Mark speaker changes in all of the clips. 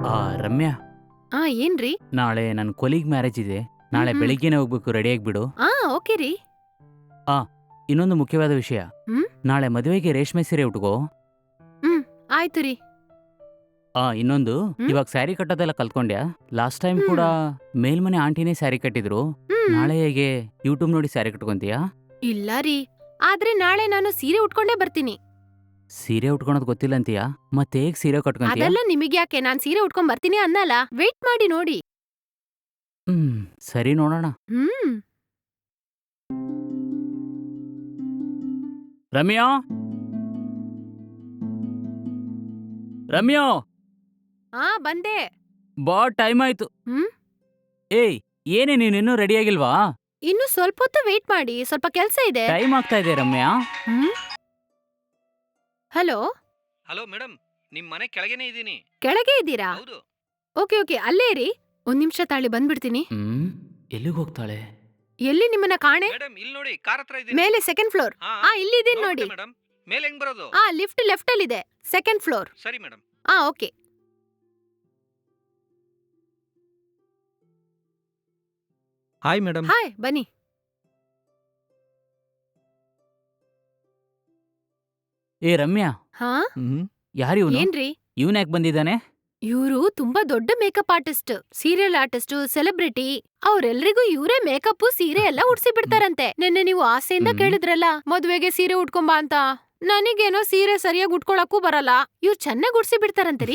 Speaker 1: ಆ ರಮ್ಯಾ,
Speaker 2: ಏನ್ರಿ?
Speaker 1: ನಾಳೆ ನನ್ನ ಕೊಲೀಗ್ ಮ್ಯಾರೇಜ್ ಇದೆ. ನಾಳೆ ಬೆಳಿಗ್ಗೆನೆ ಹೋಗ್ಬೇಕು, ರೆಡಿ ಆಗ್ಬಿಡು.
Speaker 2: ಓಕೆ ರೀ.
Speaker 1: ಇನ್ನೊಂದು ಮುಖ್ಯವಾದ ವಿಷಯ,
Speaker 2: ಹ್ಮ್?
Speaker 1: ನಾಳೆ ಮದುವೆಗೆ ರೇಷ್ಮೆ ಸೀರೆ ಉಟ್ಕೋ.
Speaker 2: ಆಯ್ತು ರೀ.
Speaker 1: ಇನ್ನೊಂದು,
Speaker 2: ಹ್ಮ್?
Speaker 1: ಇವಾಗ ಸ್ಯಾರಿ ಕಟ್ಟೋದೆಲ್ಲ ಕಲ್ತ್ಕೊಂಡ್ಯಾ? ಲಾಸ್ಟ್ ಟೈಮ್ ಕೂಡ ಮೇಲ್ಮನೆ ಆಂಟಿನೇ ಸ್ಯಾರಿ ಕಟ್ಟಿದ್ರು. ನಾಳೆ ಹೇಗೆ ಯೂಟ್ಯೂಬ್ ನೋಡಿ ಸ್ಯಾರಿ ಕಟ್ಕೊಂತೀಯಾ?
Speaker 2: ಇಲ್ಲ ರೀ, ಆದ್ರೆ ನಾಳೆ ನಾನು ಸೀರೆ ಉಟ್ಕೊಂಡೇ ಬರ್ತೀನಿ.
Speaker 1: ಸೀರೆ ಉಟ್ಕೊಳೋದ್ ಗೊತ್ತಿಲ್ಲ ಅಂತೀಯಾ? ಮತ್ತೆ ಹೇಗ್ ಸೀರೆ ಕಟ್ಕೊಂತೀಯಾ?
Speaker 2: ಅದೆಲ್ಲ ನಿಮಗ್ಯಾಕೆ, ನಾನ್ ಸೀರೆ ಉಟ್ಕೊಂಡ್ ಬರ್ತೀನಿ ಅನ್ನಲ್ಲ. ವೇಟ್ ಮಾಡಿ ನೋಡಿ.
Speaker 1: ಸರಿ, ನೋಡೋಣ.
Speaker 2: ಹ್ಮ್
Speaker 1: ರಮ್ಯಾ, ರಮ್ಯಾ,
Speaker 2: ಬಂದೆ.
Speaker 1: ಬಾ, ಟೈಮ್ ಆಯ್ತು.
Speaker 2: ಹ್ಮ್?
Speaker 1: ಏಯ್, ಏನೇ ನೀನಿನ್ನೂ ರೆಡಿ ಆಗಿಲ್ವಾ?
Speaker 2: ಇನ್ನು ಸ್ವಲ್ಪ ಹೊತ್ತು ವೇಟ್ ಮಾಡಿ, ಸ್ವಲ್ಪ ಕೆಲ್ಸ ಇದೆ.
Speaker 1: ಟೈಮ್ ಆಗ್ತಾ ಇದೆ ರಮ್ಯಾ.
Speaker 2: ಹಲೋ.
Speaker 3: ಹಲೋ ಮೇಡಮ್, ನಿಮ್ ಮನೆ ಕೆಳಗೇನೆ ಇದ್ದೀನಿ.
Speaker 2: ಕೆಳಗೆ ಇದ್ದೀರಾ?
Speaker 3: ಹೌದು.
Speaker 2: ಓಕೆ, ಅಲ್ಲೇ ಇರಿ. ಒಂದ್ ನಿಮಿಷ ತಾಳಿ, ಬಂದ್ಬಿಡ್ತೀನಿ.
Speaker 1: ಎಲ್ಲಿಗೆ ಹೋಗ್ತಾಳೆ?
Speaker 2: ಎಲ್ಲಿ ನಿಮ್ಮನ್ನ ಕಾಣೆ?
Speaker 3: ಮೇಡಮ್, ಇಲ್ಲಿ ನೋಡಿ, ಕಾರ್ ಹತ್ರ ಇದ್ದೀನಿ.
Speaker 2: ಮೇಲೆ ಸೆಕೆಂಡ್ ಫ್ಲೋರ್. ಇಲ್ಲಿದ್ದೀನಿ ನೋಡಿ.
Speaker 3: ಮೇಡಮ್, ಮೇಲೆ ಹೆಂಗ್ ಬರೋದು?
Speaker 2: ಲಿಫ್ಟ್ ಲೆಫ್ಟ್ ಅಲ್ಲಿ ಇದೆ, ಸೆಕೆಂಡ್ ಫ್ಲೋರ್.
Speaker 3: ಸರಿ madam.
Speaker 2: Okay.
Speaker 3: Hi madam.
Speaker 2: Hi, ಬನ್ನಿ.
Speaker 1: ಏ ರಮ್ಯಾ, ಯಾರು ಇವನು?
Speaker 2: ಏನ್ರಿ?
Speaker 1: ಇವನ್ ಯಾಕೆ ಬಂದಿದ್ದಾನೆ?
Speaker 2: ಇವ್ರು ತುಂಬಾ ದೊಡ್ಡ makeup artist, serial artist, celebrity. ಅವ್ರೆಲ್ರಿಗೂ ಇವರೇ ಮೇಕಪ್, ಸೀರೆ ಎಲ್ಲ ಉಡ್ಸಿ ಬಿಡ್ತಾರಂತೆ. ನಿನ್ನೆ ನೀವು ಆಸೆಯಿಂದ ಕೇಳಿದ್ರಲ್ಲ, ಮದ್ವೆಗೆ ಸೀರೆ ಉಟ್ಕೊಂಬಾ ಅಂತ. ನನಗೇನೋ ಸೀರೆ ಸರಿಯಾಗಿ ಉಟ್ಕೊಳಕ್ಕೂ ಬರಲ್ಲ. ಇವ್ರು ಚೆನ್ನಾಗಿ ಉಡ್ಸಿ ಬಿಡ್ತಾರಂತರಿ.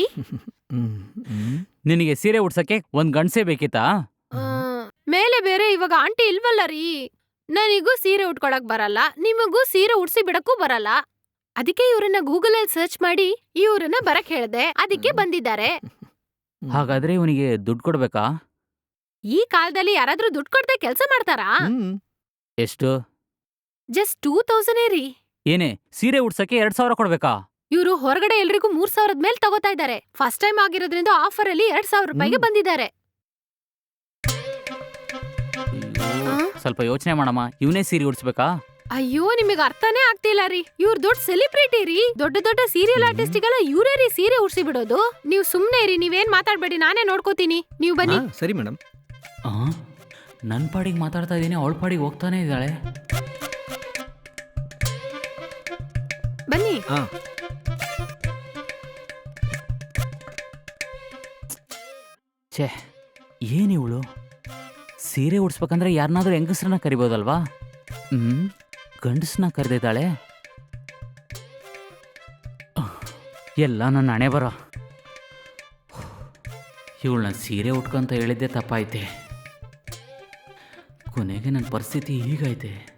Speaker 1: ನಿನಗೆ ಸೀರೆ ಉಡ್ಸಕ್ಕೆ ಒಂದ್ ಗಂಡ್ಸೆ ಬೇಕಿತ್ತಾ?
Speaker 2: ಮೇಲೆ ಬೇರೆ ಇವಾಗ ಆಂಟಿ ಇಲ್ವಲ್ಲ ರೀ. ನನಗೂ ಸೀರೆ ಉಟ್ಕೊಳಕ್ ಬರಲ್ಲ, ನಿಮಗೂ ಸೀರೆ ಉಡ್ಸಿ ಬಿಡಕ್ಕೂ ಬರಲ್ಲ. ಅದಕ್ಕೆ ಇವ್ರನ್ನ ಗೂಗಲ್ ಅಲ್ಲಿ ಸರ್ಚ್ ಮಾಡಿ ಇವ್ರನ್ನ ಬರಕ್ ಹೇಳ್ದೆ. ಅದಕ್ಕೆ ಬಂದಿದ್ದಾರೆ.
Speaker 1: ಹಾಗಾದ್ರೆ ಇವನಿಗೆ ದುಡ್ಡು ಕೊಡ್ಬೇಕಾ?
Speaker 2: ಈ ಕಾಲದಲ್ಲಿ ಯಾರಾದ್ರೂ ದುಡ್ಡು ಕೊಡ್ದೆ ಕೆಲ್ಸ ಮಾಡ್ತಾರಾ?
Speaker 1: ಎಷ್ಟು?
Speaker 2: ಜಸ್ಟ್ 2000 ರೀ.
Speaker 1: ಏನೇ, ಸೀರೆ ಉಡ್ಸಕ್ಕೆ 2000 ಕೊಡ್ಬೇಕಾ?
Speaker 2: ಇವ್ರು ಹೊರಗಡೆ ಎಲ್ರಿಗೂ 3000 ಮೇಲ್ ತಗೋತಾ ಇದ್ದಾರೆ. ಫಸ್ಟ್ ಟೈಮ್ ಆಗಿರೋದ್ರಿಂದ ಆಫರ್ ಅಲ್ಲಿ 2000 ರೂಪಾಯಿಗೆ ಬಂದಿದ್ದಾರೆ.
Speaker 1: ಸ್ವಲ್ಪ ಯೋಚನೆ ಮಾಡಮ್ಮ, ಇವನೇ ಸೀರೆ ಉಡ್ಸ್ಬೇಕಾ?
Speaker 2: ಅಯ್ಯೋ, ನಿಮಗೆ ಅರ್ಥನೇ ಆಗ್ತಿಲ್ಲ ರೀ. ಇವ್ರ ದೊಡ್ಡ ಸೆಲಿಬ್ರಿಟಿ ರೀ. ದೊಡ್ಡ ಸೀರಿಯಲ್ ಆರ್ಟಿಸ್ಟ್ಗೆಲ್ಲ ಇವರೇ ರೀ ಸೀರೆ ಉಡ್ಸಿ ಬಿಡೋದು. ನೀವ್ ಸುಮ್ನೆ ಇರಿ, ನೀವೇನ್ ಮಾತಾಡ್ಬೇಡಿ, ನಾನೇ ನೋಡ್ಕೋತೀನಿ. ನೀವ್ ಬನ್ನಿ.
Speaker 3: ಸರಿ ಮೇಡಮ್.
Speaker 1: ನನ್ ಪಾಡಿಗೆ ಮಾತಾಡ್ತಾ ಇದೀನಿ, ಅವಳ ಪಾಡಿಗೆ ಹೋಗ್ತಾನೆ ಇದ್ದಾಳೆ.
Speaker 2: ಬನ್ನಿ.
Speaker 1: ಛೇ, ಏನಿವಳು ಸೀರೆ ಉಡ್ಸ್ಬೇಕಂದ್ರೆ ಯಾರನ್ನಾದ್ರೂ ಹೆಂಗಸ್ರನ್ನ ಕರಿಬೋದಲ್ವಾ? ಗಂಡಸ್ನ ಕರೆದಿದ್ದಾಳೆ. ಎಲ್ಲ ನನ್ನ ಹಣೆ ಬರ. ಇವಳನ್ನ ಸೀರೆ ಉಟ್ಕೊಂತ ಹೇಳಿದ್ದೆ ತಪ್ಪಾಯ್ತೆ. ಕೊನೆಗೆ ನನ್ನ ಪರಿಸ್ಥಿತಿ ಹೀಗೈತೆ.